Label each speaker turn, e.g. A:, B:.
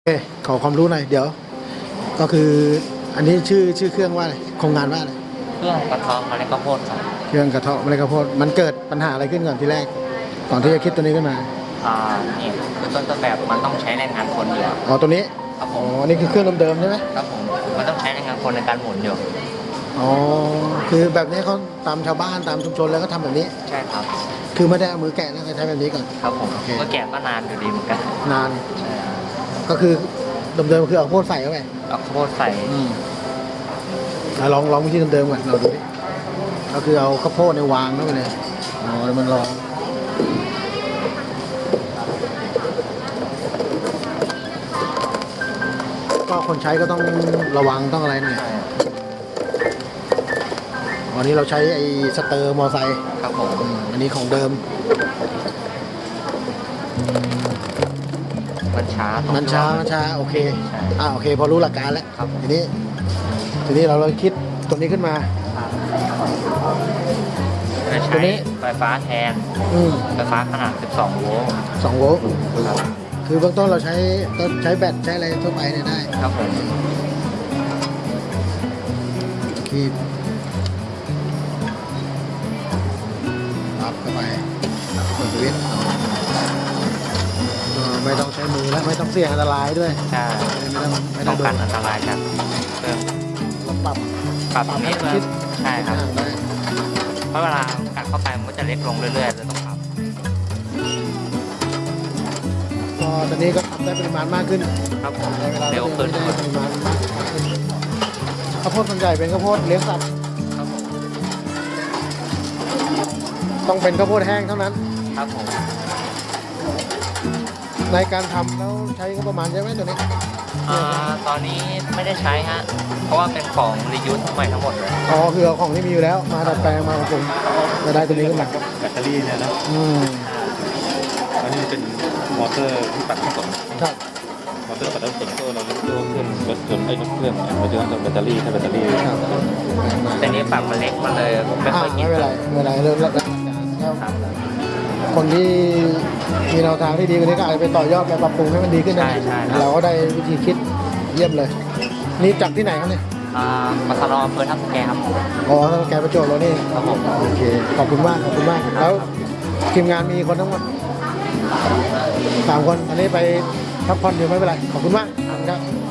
A: โอเคขอความรู้หน่อยเดี๋ยวก็คืออันนี้ชื่อเครื่องว่าอะไรโครงงานว่าอะไร
B: เครื่องกระเทาะเมล็ดข้าวโพดครับ
A: เครื่องกระเทาะเมล็ดข้าวโพดมันเกิดปัญหาอะไรขึ้นก่อนที่แรกก่อนที่จะคิดตัวนี้ขึ้นมา
B: อ่านี่คือต้นแบบมันต้องใช้แรงงานคนอยู่
A: อ๋อตัวนี้
B: ครับผ
A: อ๋อ
B: ม
A: นี่คือเครื่องเดิมๆใช่ไหม
B: ครับผมมันต้องใช้แรงงานคนในการหมุนอยู่
A: อ๋อคือแบบนี้เขาตามชาวบ้านตามชุมชนแล้วก็ทำแบบนี้
B: ใช่ครับ
A: คือไม่ได้เอามือแกะนะก็ใช้แบบนี้ก่อน
B: ครับผม
A: โอเค
B: ก็แกะก็นานอยู่ดีเหมือนกัน
A: นาน
B: ใช่ครับ
A: ก็คือเดิมๆคือเอาข้าวโพดใส่เข้าไป
B: เอาข้าวโพดใส่
A: ลองวิธีเดิมๆก่อนเราดูดิก็คือเอาข้าวโพดในวางเข้าไปเลยอ๋อแล้วมันร้องก็คนใช้ก็ต้องระวังต้องอะไรหน่อยวันนี้เราใช้ไอ้สเตอร์มอไซค์
B: ครับผม
A: อันนี้ของเดิม
B: มันช้าตรง
A: มันช้าโอเค
B: ใช่
A: โอเคพอรู้หลักการแล้ว
B: ครับ
A: ทีนี้เราเลยคิดตัวนี้ขึ้นมา
B: จะ
A: ตั
B: ใช้
A: วนี้
B: ไฟฟ้าแทนไฟฟ้าขนาด 12 โวลต์
A: 2 โวลต์
B: ครับ
A: คือเบื้องต้นเราใช้แบตใช้อะไรทั่วไปเนี่ยได้
B: ครับผม
A: คีบรับเข้าไปกดสวิตช์ไม่ต้องใช้มือแล้วไม่ต้องเสี่ยงอันตรายด้วย
B: ใช่
A: ไม่ต้
B: ป้
A: อ
B: อง ง
A: โด
B: กัน
A: น
B: อันตรายจากเครื่อง
A: เราปรับ
B: ตรงนี้
A: คิด
B: ใช่ครับ
A: ห่างได้
B: เพราะเวลากัดเข้าไปมันก็จะเล็กลงเรื่อยๆเลยต้องปรับ
A: ก็ตอนนี้ก็ทำได้ปริมาณมากขึ้น
B: ครับผม
A: ในเวลา
B: เร็วขึ้น
A: ได้ปริมาณมากขึ้นข้าวโพดส่วนใหญ่เป็นข้าวโพดเลี้ยงสัตว์
B: ครับผม
A: ต้องเป็นข้าวโพดแห้งเท่านั้น
B: ครับผม
A: ในการทำแล้วใช้งบประมาณเยอะไหมตัวนี้
B: ตอนนี้ไม่ได้ใช้ฮะเพราะว่าเป็นของรียูสใหม่ทั้งหมดเลย
A: อ๋อคือเอาของที่มีอยู่แล้วมาดัดแปลงมาปรุงจะได้ตัวนี้ขึ้นมา
C: แบตเตอรี่เนี่ยนะ อันนี้เป็นมอเตอร์ที่ปัดน้ำฝน
A: ครับ
C: มอเตอร์ปัดน้ำฝนก็เราเรียกตัวเครื่องรถยนต์รถเครื่องเราจะต้องแบตเตอรี่ถ้าแบตเตอรี่
A: ครับ
B: แต่นี้ปรับมันเล็กมาเลยไม่ค่อยกิ
A: ไม่
B: น
A: เป็นไรเรื่องรับคนที่มีแนวทางที่ดีกว่านี้ก็อาจจะไปต่อยอดไปปรับปรุงให้มันดีขึ้นนะเราก็ได้วิธีคิดเยี่ยมเลย นี่จากที่ไหนครับเนี่ย
B: มาทะเลาะเพื่อทับแกครับ
A: อ๋อแกประจวบเรานี่
B: ครับผม
A: โอเคขอบคุณมากแล้วทีมงานมีคนทั้งหมด3 คนอันนี้ไปพักผ่อนอยู่ไม่เป็นไรขอบคุณมากครับ